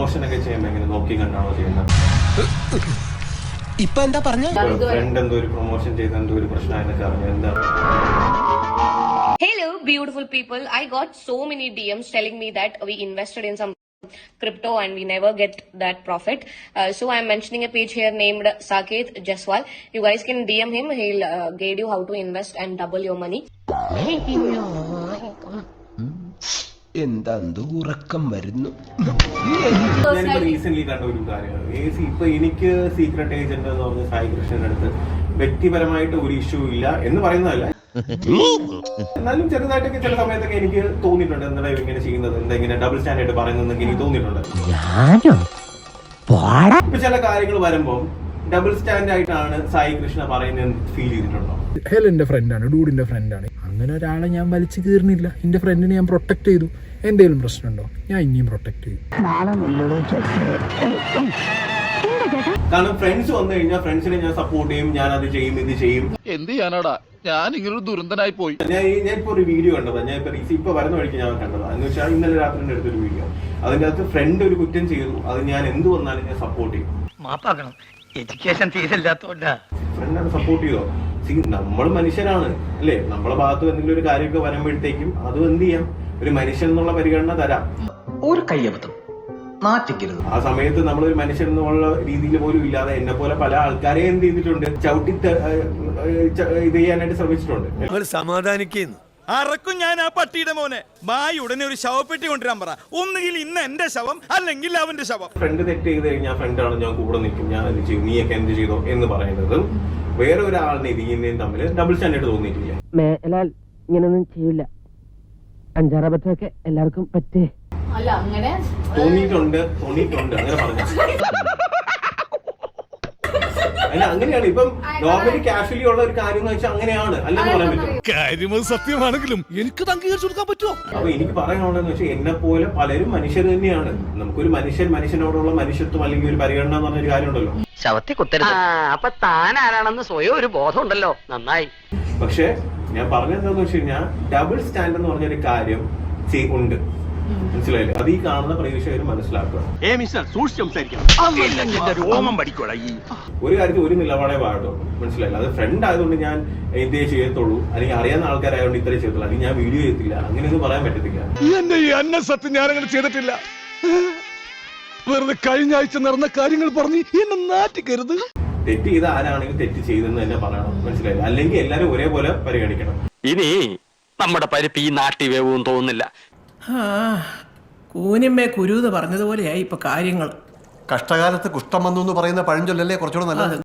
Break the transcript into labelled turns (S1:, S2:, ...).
S1: Promotion ഒക്കെ ചെയ്യുമ്പോൾ എങ്ങനെ നോക്കി കണ്ടാണോ ചെയ്യുന്നത്?
S2: ഇപ്പൊ എന്താ പറഞ്ഞ
S1: ഫ്രണ്ട് എന്തോ ഒരു പ്രൊമോഷൻ ചെയ്ത് എന്തോ ഒരു പ്രശ്നമായെന്നൊക്കെ അറിഞ്ഞു. എന്താ?
S3: Hello, beautiful people. I got so many DMs telling me that we invested in some crypto and we never get that profit. So I'm mentioning a page here named Saket Jaswal. You guys can DM him. He'll guide you how to invest and double your money.
S2: എന്താ ഉറക്കം വരുന്നു.
S1: ഞാനിപ്പോ recent കണ്ട ഒരു കാര്യമാണ്. ഇപ്പൊ എനിക്ക് secret agent എന്ന് പറഞ്ഞ സായി കൃഷ്ണന്റെ അടുത്ത് വ്യക്തിപരമായിട്ട് ഒരു ഇഷ്യൂ ഇല്ല എന്ന് പറയുന്നതല്ല, എന്നാലും ചെറുതായിട്ടൊക്കെ ചില സമയത്തൊക്കെ എനിക്ക് തോന്നിയിട്ടുണ്ട് എന്താ ഇങ്ങനെ ചെയ്യുന്നത്, എന്താ ഇങ്ങനെ ഡബിൾ സ്റ്റാൻഡേർഡ് പറയുന്നതെന്നൊക്കെ എനിക്ക് തോന്നിയിട്ടുണ്ട്. ഇപ്പൊ ചില കാര്യങ്ങൾ വരുമ്പോൾ ഡബിൾ സ്റ്റാൻഡ് ആയിട്ടാണ് സായി കൃഷ്ണ പറയുന്നത് ഫീൽ ചെയ്തിട്ടുണ്ടോ?
S4: ഹെലിന്റെ ഫ്രണ്ടാണ്, ഡൂഡിന്റെ ഫ്രണ്ടാണ്. അങ്ങനെ ഒരാളെ ഞാൻ വലിച്ചു കീറുന്നില്ല. എന്റെ ഫ്രണ്ടിനെ ഞാൻ പ്രൊട്ടക്ട് ചെയ്തു. എന്തെങ്കിലും പ്രശ്നമുണ്ടോ? ഞാൻ ഇനിയും പ്രൊട്ടക്ട് ചെയ്യും.
S1: കാരണം ഫ്രണ്ട്സ് വന്നു കഴിഞ്ഞാൽ ഫ്രണ്ട്സിനെ ഞാൻ സപ്പോർട്ട് ചെയ്യും, ഞാൻ അത് ചെയ്യും, ഇത് ചെയ്യും.
S5: എന്ത് ചെയ്യാനാടാ, ഞാൻ ഇങ്ങനൊരു ദുരന്തനായി പോയി.
S1: ഞാൻ ഇപ്പൊ ഒരു വീഡിയോ കണ്ടതാ, ഞാൻ ഇപ്പൊ വരുന്ന വഴിക്ക് ഞാൻ കണ്ടതാ. എന്ന് വെച്ചാൽ ഇന്നലെ രാത്രി എടുത്തൊരു വീഡിയോ, അതിന്റെ അകത്ത് ഫ്രണ്ട് ഒരു കുറ്റം ചെയ്തു, അത് ഞാൻ എന്ത് വന്നാലും ഞാൻ സപ്പോർട്ട് ചെയ്യും.
S6: മാപ്പാക്കണം, എഡ്യൂക്കേഷൻ തീരില്ലാത്തോണ്ടാ.
S1: ഫ്രണ്ടാണ് സപ്പോർട്ട് ചെയ്തോ? നമ്മൾ മനുഷ്യരാണ് അല്ലേ? നമ്മളെ ഭാഗത്ത് എന്തെങ്കിലും ഒരു കാര്യമൊക്കെ വരുമ്പോഴത്തേക്കും അത് എന്ത് ചെയ്യാം, ഒരു മനുഷ്യൻ എന്നുള്ള പരിഗണന തരാം. ഒരു കയ്യബദ്ധം നാറ്റിക്കരുത്. ആ സമയത്ത് നമ്മളൊരു മനുഷ്യൻ എന്നുള്ള രീതിയിൽ പോലും ഇല്ലാതെ എന്നെ പോലെ പല ആൾക്കാരെ എന്ത് ചെയ്തിട്ടുണ്ട്, ചവിട്ടി ഇത് ചെയ്യാനായിട്ട് ശ്രമിച്ചിട്ടുണ്ട്.
S7: സമാധാനിക്കുന്നു അറക്കും ഞാൻ ആ പട്ടിയുടെ മോനെ. മായി ഉടനെ ഒരു ശവപ്പെട്ടി കൊണ്ടുവരാൻ പറ. ഒന്നുകിൽ ഇന്ന് എന്റെ ശവം അല്ലെങ്കിൽ അവന്റെ ശവം.
S1: ഫ്രണ്ട് തെറ്റ് ചെയ്ത് കഴിഞ്ഞാൽ ഫ്രണ്ടാണ് ഞാൻ കൂടെ നിൽക്കും, ഞാൻ എന്ത് ചെയ്യും, നീയൊക്കെ എന്ത് ചെയ്തോ എന്ന് പറയുന്നതും വേറെ ഒരാളിനെ ഇതിനെയും തമ്മിൽ ഡബിൾ സ്റ്റാൻഡേർഡ് തോന്നിയിട്ടില്ല.
S8: ഇങ്ങനൊന്നും ചെയ്യില്ല. അഞ്ചാറബത്തൊക്കെ എല്ലാവർക്കും പറ്റേ
S3: അല്ല, അങ്ങനെ
S1: തോന്നിയിട്ടുണ്ട് അങ്ങനെ പറഞ്ഞു. അല്ല, അങ്ങനെയാണ്. ഇപ്പം നോർമലി കാഷ്വലി ഉള്ള ഒരു കാര്യം എന്ന് വെച്ചാൽ അങ്ങനെയാണ്, അല്ലെന്ന് പറയാൻ പറ്റും.
S7: കാര്യം സത്യമാണെങ്കിലും എനിക്ക് അംഗീകരിച്ചു കൊടുക്കാൻ പറ്റുമോ?
S1: അപ്പൊ എനിക്ക് പറയാനുള്ളതെന്ന് വെച്ചാൽ എന്നെ പോലെ പലരും മനുഷ്യർ തന്നെയാണ്. നമുക്കൊരു മനുഷ്യനോടുള്ള മനുഷ്യത്വം അല്ലെങ്കിൽ ഒരു പരിഗണന എന്ന് പറഞ്ഞൊരു കാര്യം ഉണ്ടല്ലോ.
S6: ശവത്തെ കുത്തരുത്. അപ്പൊ താൻ ആരാണെന്ന് സ്വയം ഒരു ബോധം ഉണ്ടല്ലോ, നന്നായി.
S1: പക്ഷെ ഞാൻ പറഞ്ഞെന്താന്ന് വെച്ച് കഴിഞ്ഞാൽ ഡബിൾ സ്റ്റാൻഡ് എന്ന് പറഞ്ഞൊരു കാര്യം ഉണ്ട്, മനസ്സിലായില്ലേ? അത് ഈ കാണുന്ന പ്രേക്ഷകർ മനസ്സിലാക്കുക. ഒരു കാര്യത്തിൽ ഒരു നിലപാടേ പാടുള്ളൂ, മനസ്സിലായില്ല? അത് ഫ്രണ്ട് ആയതുകൊണ്ട് ഞാൻ ഇതേ ചെയ്യത്തുള്ളൂ, അല്ലെങ്കിൽ അറിയാവുന്ന ആൾക്കാരായതുകൊണ്ട് ഇത്രേ ചെയ്യത്തുള്ളൂ, അല്ലെങ്കിൽ ഞാൻ വീഡിയോ ചെയ്യത്തില്ല, അങ്ങനെയൊന്നും പറയാൻ പറ്റത്തില്ല.
S7: എന്റെ ഈ അന്ന സത്യം ഞാനങ്ങനെ ചെയ്തിട്ടില്ല. വെറുതെ കഴിഞ്ഞ ആഴ്ച നടന്ന കാര്യങ്ങൾ പറഞ്ഞ് എന്നെ നാറ്റിക്കരുത്.
S1: തെറ്റ് ചെയ്ത ആരാണെങ്കിലും തെറ്റ് ചെയ്തെന്ന് തന്നെ പറയണം, മനസ്സിലായില്ല? അല്ലെങ്കിൽ എല്ലാരും ഒരേപോലെ പരിഗണിക്കണം.
S6: ഇനി നമ്മുടെ പരിപ്പ് ഈ നാട്ടി വേവും തോന്നുന്നില്ല.
S9: കൂനിമ്മേ കുരുന്ന് പറഞ്ഞതുപോലെയായി ഇപ്പൊ കാര്യങ്ങൾ.
S2: കഷ്ടകാലത്ത് കുഷ്ഠം വന്നു എന്ന് പറയുന്ന പഴഞ്ചൊല്ലല്ലേ കുറച്ചുകൂടെ നല്ലത്.